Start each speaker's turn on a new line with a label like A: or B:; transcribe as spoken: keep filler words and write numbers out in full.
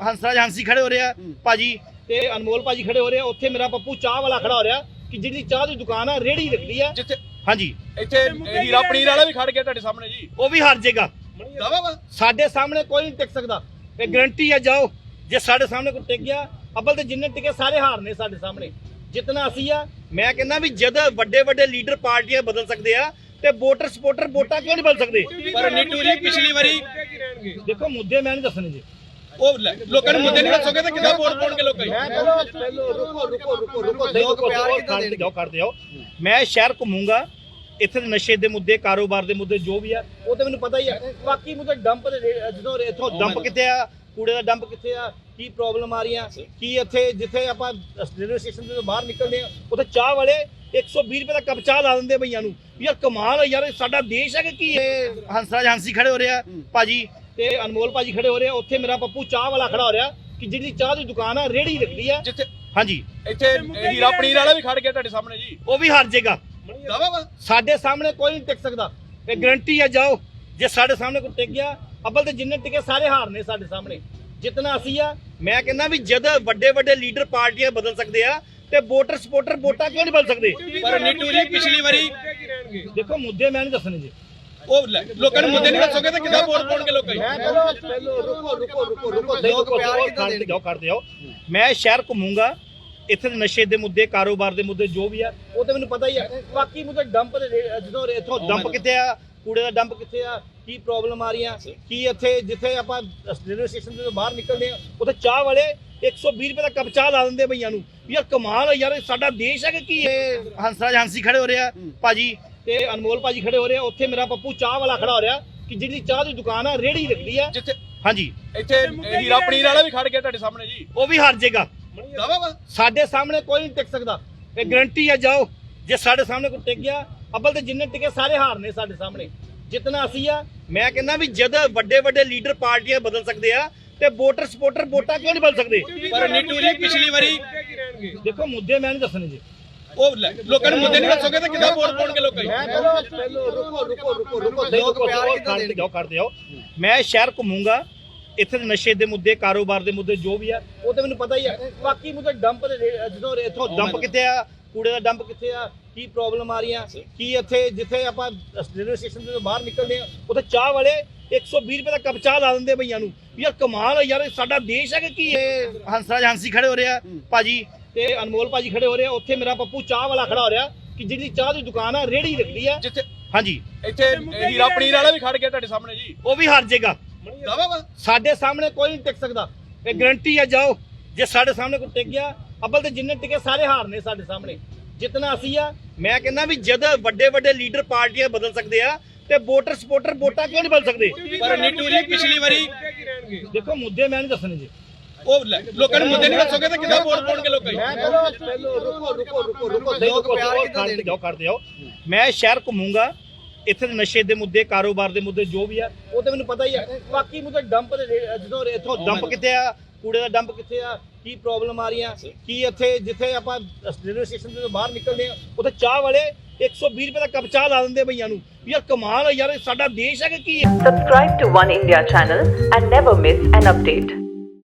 A: ਹੰਸਰਾਜ ਹਾਂਸੀ ਖੜੇ ਹੋ ਰਿਹਾ ਭਾਜੀ ਤੇ ਅਨਮੋਲ ਭਾਜੀ ਖੜੇ ਹੋ ਰਹੇ ਆ। ਉੱਥੇ ਮੇਰਾ ਪੱਪੂ ਚਾਹ ਵਾਲਾ ਖੜਾ ਹੋ ਰਿਹਾ ਕਿ ਜਿਹੜੀ ਚਾਹ ਦੀ ਦੁਕਾਨ ਆ ਰੇੜੀ ਰੱਖਦੀ ਆ
B: ਜਿੱਥੇ
A: ਹਾਂਜੀ
B: ਇੱਥੇ ਹੀਰਾ ਪਨੀਰ ਵਾਲਾ ਵੀ ਖੜ ਗਿਆ ਤੁਹਾਡੇ ਸਾਹਮਣੇ ਜੀ,
A: ਉਹ ਵੀ ਹਾਰ ਜਾਏਗਾ।
B: ਦਾਵਾ ਵਾ
A: ਸਾਡੇ ਸਾਹਮਣੇ ਕੋਈ ਨਹੀਂ ਟਿਕ ਸਕਦਾ, ਇਹ ਗਰੰਟੀ ਆ। ਜਾਓ ਜੇ ਸਾਡੇ ਸਾਹਮਣੇ ਕੋਈ ਟਿਕ ਗਿਆ, ਅੱਬਲ ਤੇ ਜਿੰਨੇ ਟਿਕੇ ਸਾਰੇ ਹਾਰ ਨੇ ਸਾਡੇ ਸਾਹਮਣੇ। ਜਿਤਨਾ ਅਸੀਂ ਆ, ਮੈਂ ਕਹਿੰਦਾ ਵੀ ਜਦ ਵੱਡੇ ਵੱਡੇ ਲੀਡਰ ਪਾਰਟੀਆਂ ਬਦਲ ਸਕਦੇ ਆ ਤੇ ਵੋਟਰ ਸਪੋਰਟਰ ਵੋਟਾਂ ਕਿਉਂ ਨਹੀਂ ਬਦਲ ਸਕਦੇ?
B: ਪਰ ਨੀਟੂ ਜੀ ਪਿਛਲੀ ਵਾਰੀ
A: ਦੇਖੋ ਮੁੱਦੇ ਮੈਂ ਨਹੀਂ ਦੱਸਣੇ ਜੀ,
B: ਉਹ ਲੈ, ਲੋਕਾਂ ਨੂੰ ਮੁੱਦੇ ਨਹੀਂ ਦੱਸੋਗੇ ਤਾਂ ਕਿੱਦਾਂ ਵੋਟ ਪਾਉਣਗੇ ਲੋਕਾਂ
A: ਮੈਂ ਕਹਿੰਦਾ ਪਹਿਲੋ ਰੁਕੋ ਰੁਕੋ ਰੁਕੋ ਰੁਕੋ ਦੇਖੋ ਖਾਂਦੇ ਜਾਓ ਕਰਦੇ ਜਾਓ। ਮੈਂ ਸ਼ਹਿਰ ਘੁੰਮੂੰਗਾ, ਇੱਥੇ ਦੇ ਨਸ਼ੇ ਦੇ ਮੁੱਦੇ, ਕਾਰੋਬਾਰ ਦੇ ਮੁੱਦੇ ਜੋ ਵੀ ਆ ਉਹ ਤੇ ਮੈਨੂੰ ਪਤਾ ਹੀ ਆ। ਬਾਕੀ ਮੁੱਦੇ ਡੰਪ ਦੇ ਜਦੋਂ ਇੱਥੋਂ ਡੰਪ ਕਿੱਥੇ ਆ, ਕੂੜੇ ਦਾ ਡੰਪ ਕਿੱਥੇ ਆ, ਕੀ ਪ੍ਰੋਬਲਮ ਆ ਰਹੀਆਂ, ਕੀ ਇੱਥੇ ਜਿੱਥੇ ਆਪਾਂ ਰੇਲਵੇ ਸਟੇਸ਼ਨ ਤੋਂ ਬਾਹਰ ਨਿਕਲਦੇ ਆ ਉੱਥੇ ਚਾਹ ਵਾਲੇ ਇੱਕ ਸੌ ਵੀਹ ਰੁਪਏ ਦਾ ਕੱਪ ਚਾਹ ਲਾ ਦਿੰਦੇ ਭਈਆਂ ਨੂੰ। ਯਾਰ ਕਮਾਲ ਆ ਯਾਰ, ਇਹ ਸਾਡਾ ਦੇਸ਼ ਹੈ ਕਿ ਕੀ? ਇਹ ਹੰਸਰਾਜ ਹਾਂਸੀ ਖੜੇ ਹੋ ਰਿਹਾ ਭਾਜੀ ਤੇ ਅਨਮੋਲ ਭਾਜੀ ਖੜੇ ਹੋ ਰਹੇ ਆ। ਉੱਥੇ ਮੇਰਾ ਪੱਪੂ ਚਾਹ ਵਾਲਾ ਖੜਾ ਹੋ ਰਿਹਾ ਕਿ ਜਿਹੜੀ ਚਾਹ ਦੀ ਦੁਕਾਨ ਆ ਰੇੜੀ ਰੱਖਦੀ ਆ
B: ਜਿੱਥੇ
A: ਹਾਂਜੀ
B: ਇੱਥੇ ਹੀਰਾ ਪਨੀਰ ਵਾਲਾ ਵੀ ਖੜ ਗਿਆ ਤੁਹਾਡੇ ਸਾਹਮਣੇ ਜੀ,
A: ਉਹ ਵੀ ਹਾਰ ਜਾਏਗਾ।
B: ਦਾਵਾ ਵਾ
A: ਸਾਡੇ ਸਾਹਮਣੇ ਕੋਈ ਨਹੀਂ ਟਿਕ ਸਕਦਾ, ਇਹ ਗਰੰਟੀ ਆ। ਜਾਓ ਜੇ ਸਾਡੇ ਸਾਹਮਣੇ ਕੋਈ ਟਿਕ ਗਿਆ, ਅੱਬਲ ਤੇ ਜਿੰਨੇ ਟਿਕੇ ਸਾਰੇ ਹਾਰ ਨੇ ਸਾਡੇ ਸਾਹਮਣੇ। ਜਿਤਨਾ ਅਸੀਂ ਆ, ਮੈਂ ਕਹਿੰਦਾ ਵੀ ਜਦ ਵੱਡੇ ਵੱਡੇ ਲੀਡਰ ਪਾਰਟੀਆਂ ਬਦਲ ਸਕਦੇ ਆ ਤੇ ਵੋਟਰ ਸਪੋਰਟਰ ਵੋਟਾਂ ਕਿਉਂ ਨਹੀਂ ਬਦਲ ਸਕਦੇ?
B: ਪਰ ਨੀਟੂ ਜੀ ਪਿਛਲੀ ਵਾਰੀ
A: ਦੇਖੋ ਮੁੱਦੇ ਮੈਂ ਨਹੀਂ ਦੱਸਣੇ ਜੀ,
B: ਉਹ ਲੈ, ਲੋਕਾਂ ਨੂੰ ਮੁੱਦੇ ਨਹੀਂ ਦੱਸੋਗੇ ਤਾਂ ਕਿੱਦਾਂ ਵੋਟ ਪਾਉਣਗੇ ਲੋਕਾਂ
A: ਮੈਂ ਕਹਿੰਦਾ ਪਹਿਲੋ ਰੁਕੋ ਰੁਕੋ ਰੁਕੋ ਰੁਕੋ ਦੇਖੋ ਖਾਂਦੇ ਜਾਓ ਕਰਦੇ ਜਾਓ। ਮੈਂ ਸ਼ਹਿਰ ਘੁੰਮੂੰਗਾ, ਇੱਥੇ ਦੇ ਨਸ਼ੇ ਦੇ ਮੁੱਦੇ, ਕਾਰੋਬਾਰ ਦੇ ਮੁੱਦੇ ਜੋ ਵੀ ਆ ਉਹ ਤੇ ਮੈਨੂੰ ਪਤਾ ਹੀ ਆ। ਬਾਕੀ ਮੁੱਦੇ ਡੰਪ ਦੇ ਜਦੋਂ ਇੱਥੋਂ ਡੰਪ ਕਿੱਥੇ ਆ, ਕੂੜੇ ਦਾ ਡੰਪ ਕਿੱਥੇ ਆ, ਕੀ ਪ੍ਰੋਬਲਮ ਆ ਰਹੀਆਂ, ਕੀ ਇੱਥੇ ਜਿੱਥੇ ਆਪਾਂ ਰੇਲਵੇ ਸਟੇਸ਼ਨ ਤੋਂ ਬਾਹਰ ਨਿਕਲਦੇ ਆ ਉੱਥੇ ਚਾਹ ਵਾਲੇ ਇੱਕ ਸੌ ਵੀਹ ਰੁਪਏ ਦਾ ਕੱਪ ਚਾਹ ਲਾ ਦਿੰਦੇ ਭਈਆਂ ਨੂੰ। ਯਾਰ ਕਮਾਲ ਆ ਯਾਰ, ਇਹ ਸਾਡਾ ਦੇਸ਼ ਹੈ ਕਿ ਕੀ? ਇਹ ਹੰਸਰਾਜ ਹਾਂਸੀ ਖੜੇ ਹੋ ਰਿਹਾ ਭਾਜੀ ਤੇ ਅਨਮੋਲ ਭਾਜੀ ਖੜੇ ਹੋ ਰਹੇ ਆ। ਉੱਥੇ ਮੇਰਾ ਪੱਪੂ ਚਾਹ ਵਾਲਾ ਖੜਾ ਹੋ ਰਿਹਾ ਕਿ ਜਿਹੜੀ ਚਾਹ ਦੀ ਦੁਕਾਨ ਆ ਰੇੜੀ ਰੱਖਦੀ ਆ
B: ਜਿੱਥੇ
A: ਹਾਂਜੀ
B: ਇੱਥੇ ਹੀਰਾ ਪਨੀਰ ਵਾਲਾ ਵੀ ਖੜ ਗਿਆ ਤੁਹਾਡੇ ਸਾਹਮਣੇ ਜੀ,
A: ਉਹ ਵੀ ਹਾਰ ਜਾਏਗਾ।
B: ਦਾਵਾ ਵਾ
A: ਸਾਡੇ ਸਾਹਮਣੇ ਕੋਈ ਨਹੀਂ ਟਿਕ ਸਕਦਾ, ਇਹ ਗਰੰਟੀ ਆ। ਜਾਓ ਜੇ ਸਾਡੇ ਸਾਹਮਣੇ ਕੋਈ ਟਿਕ ਗਿਆ, ਅੱਬਲ ਤੇ ਜਿੰਨੇ ਟਿਕੇ ਸਾਰੇ ਹਾਰ ਨੇ ਸਾਡੇ ਸਾਹਮਣੇ। ਜਿਤਨਾ ਅਸੀਂ ਆ, ਮੈਂ ਕਹਿੰਦਾ ਵੀ ਜਦ ਵੱਡੇ ਵੱਡੇ ਲੀਡਰ ਪਾਰਟੀਆਂ ਬਦਲ ਸਕਦੇ ਆ ਤੇ ਵੋਟਰ ਸਪੋਰਟਰ ਵੋਟਾਂ ਕਿਉਂ ਨਹੀਂ ਬਦਲ ਸਕਦੇ?
B: ਪਰ ਨੀਟੂ ਜੀ ਪਿਛਲੀ ਵਾਰੀ
A: ਦੇਖੋ ਮੁੱਦੇ ਮੈਂ ਨਹੀਂ ਦੱਸਣੇ ਜੀ,
B: ਉਹ ਲੈ, ਲੋਕਾਂ ਨੂੰ ਮੁੱਦੇ ਨਹੀਂ ਦੱਸੋਗੇ ਤਾਂ ਕਿੱਦਾਂ ਵੋਟ ਪਾਉਣਗੇ ਲੋਕਾਂ
A: ਮੈਂ ਕਹਿੰਦਾ ਪਹਿਲੋ ਰੁਕੋ ਰੁਕੋ ਰੁਕੋ ਰੁਕੋ ਦੇਖੋ ਖਾਂਦੇ ਜਾਓ ਕਰਦੇ ਜਾਓ। ਮੈਂ ਸ਼ਹਿਰ ਘੁੰਮੂੰਗਾ, ਇੱਥੇ ਦੇ ਨਸ਼ੇ ਦੇ ਮੁੱਦੇ, ਕਾਰੋਬਾਰ ਦੇ ਮੁੱਦੇ ਜੋ ਵੀ ਆ ਉਹ ਤੇ ਮੈਨੂੰ ਪਤਾ ਹੀ ਆ। ਬਾਕੀ ਮੁੱਦੇ ਡੰਪ ਦੇ ਜਦੋਂ ਇੱਥੋਂ ਡੰਪ ਕਿੱਥੇ ਆ, ਕੂੜੇ ਦਾ ਡੰਪ ਕਿੱਥੇ ਆ, ਕੀ ਪ੍ਰੋਬਲਮ ਆ ਰਹੀਆਂ, ਕੀ ਇੱਥੇ ਜਿੱਥੇ ਆਪਾਂ ਰੇਲਵੇ ਸਟੇਸ਼ਨ ਤੋਂ ਬਾਹਰ ਨਿਕਲਦੇ ਆ ਉੱਥੇ ਚਾਹ ਵਾਲੇ ਇੱਕ ਸੌ ਵੀਹ ਰੁਪਏ ਦਾ ਕੱਪ ਚਾਹ ਲਾ ਦਿੰਦੇ ਭਈਆਂ ਨੂੰ। ਯਾਰ ਕਮਾਲ ਆ ਯਾਰ, ਇਹ ਸਾਡਾ ਦੇਸ਼ ਹੈ ਕਿ ਕੀ? ਇਹ ਹੰਸਰਾਜ ਹਾਂਸੀ ਖੜੇ ਹੋ ਰਿਹਾ ਭਾਜੀ ਤੇ ਅਨਮੋਲ ਭਾਜੀ ਖੜੇ ਹੋ ਰਹੇ ਆ। ਉੱਥੇ ਮੇਰਾ ਪੱਪੂ ਚਾਹ ਵਾਲਾ ਖੜਾ ਹੋ ਰਿਹਾ ਕਿ ਜਿਹੜੀ ਚਾਹ ਦੀ ਦੁਕਾਨ ਆ ਰੇੜੀ ਰੱਖਦੀ ਆ
B: ਜਿੱਥੇ
A: ਹਾਂਜੀ
B: ਇੱਥੇ ਹੀਰਾ ਪਨੀਰ ਵਾਲਾ ਵੀ ਖੜ ਗਿਆ ਤੁਹਾਡੇ ਸਾਹਮਣੇ ਜੀ,
A: ਉਹ ਵੀ ਹਾਰ ਜਾਏਗਾ।
B: ਦਾਵਾ ਵਾ
A: ਸਾਡੇ ਸਾਹਮਣੇ ਕੋਈ ਨਹੀਂ ਟਿਕ ਸਕਦਾ, ਇਹ ਗਰੰਟੀ ਆ। ਜਾਓ ਜੇ ਸਾਡੇ ਸਾਹਮਣੇ ਕੋਈ ਟਿਕ ਗਿਆ, ਅੱਬਲ ਤੇ ਜਿੰਨੇ ਟਿਕੇ ਸਾਰੇ ਹਾਰ ਨੇ ਸਾਡੇ ਸਾਹਮਣੇ। ਜਿਤਨਾ ਅਸੀਂ ਆ, ਮੈਂ ਕਹਿੰਦਾ ਵੀ ਜਦ ਵੱਡੇ ਵੱਡੇ ਲੀਡਰ ਪਾਰਟੀਆਂ ਬਦਲ ਸਕਦੇ ਆ ਤੇ ਵੋਟਰ ਸਪੋਰਟਰ ਵੋਟਾਂ ਕਿਉਂ ਨਹੀਂ ਬਦਲ ਸਕਦੇ?
B: ਪਰ ਨੀਟੂ ਜੀ ਪਿਛਲੀ ਵਾਰੀ
A: ਦੇਖੋ ਮੁੱਦੇ ਮੈਂ ਨਹੀਂ ਦੱਸਣੇ ਜੀ,
B: ਉਹ ਲੈ, ਲੋਕਾਂ ਨੂੰ ਮੁੱਦੇ ਨਹੀਂ ਦੱਸੋਗੇ ਤਾਂ ਕਿੱਦਾਂ ਵੋਟ ਪਾਉਣਗੇ ਲੋਕਾਂ
A: ਮੈਂ ਕਹਿੰਦਾ ਪਹਿਲੋ ਰੁਕੋ ਰੁਕੋ ਰੁਕੋ ਰੁਕੋ ਦੇਖੋ ਖਾਂਦੇ ਜਾਓ ਕਰਦੇ ਜਾਓ। ਮੈਂ ਸ਼ਹਿਰ ਘੁੰਮੂੰਗਾ, ਇੱਥੇ ਦੇ ਨਸ਼ੇ ਦੇ ਮੁੱਦੇ, ਕਾਰੋਬਾਰ ਦੇ ਮੁੱਦੇ ਜੋ ਵੀ ਆ ਉਹ ਤੇ ਮੈਨੂੰ ਪਤਾ ਹੀ ਆ। ਬਾਕੀ ਮੁੱਦੇ ਡੰਪ ਦੇ ਜਦੋਂ ਇੱਥੋਂ ਡੰਪ ਕਿੱਥੇ ਆ, ਕੂੜੇ ਦਾ ਡੰਪ ਕਿੱਥੇ ਆ, ਕੀ ਪ੍ਰੋਬਲਮ ਆ ਰਹੀਆਂ, ਕੀ ਇੱਥੇ ਜਿੱਥੇ ਆਪਾਂ ਰੇਲਵੇ ਸਟੇਸ਼ਨ ਤੋਂ ਬਾਹਰ ਨਿਕਲਦੇ ਆ ਉੱਥੇ ਚਾਹ ਵਾਲੇ ਇੱਕ ਸੌ ਵੀਹ ਰੁਪਏ ਦਾ ਕੱਪ ਚਾਹ ਲਾ ਦਿੰਦੇ ਭਈਆਂ ਨੂੰ। ਯਾਰ ਕਮਾਲ ਆ ਯਾਰ, ਇਹ ਸਾਡਾ ਦੇਸ਼ ਹੈ ਕਿ ਕੀ?
C: Subscribe to One India channel and never miss an update.